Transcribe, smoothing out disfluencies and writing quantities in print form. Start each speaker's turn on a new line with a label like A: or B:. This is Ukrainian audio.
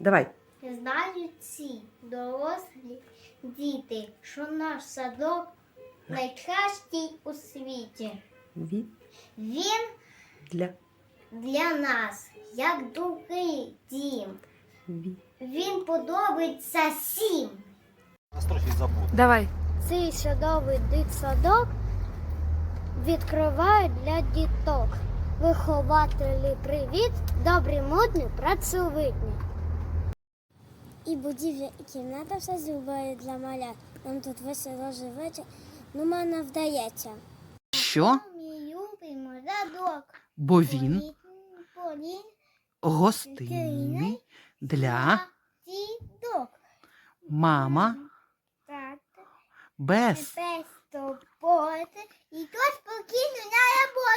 A: Давай.
B: Знають всі дорослі діти, що наш садок найкращий у світі.
A: Ві.
B: Він
A: Для.
B: для нас, як другий дім.
A: Ві.
B: Він подобається всім.
A: Давай.
B: Цей садовий дитсадок відкривають для діток. Вихователі привіт, добрі, модні, працьовитні.
C: І будівля, і кімната все зробили для малят. Нам тут весело живеться, ну мене вдається.
A: Що?
B: Ми любимо садок.
A: Бо він
B: Полін
A: гостинний для
B: діток.
A: мама
B: Так.
A: без
B: Без турботи і то спокійно на роботі.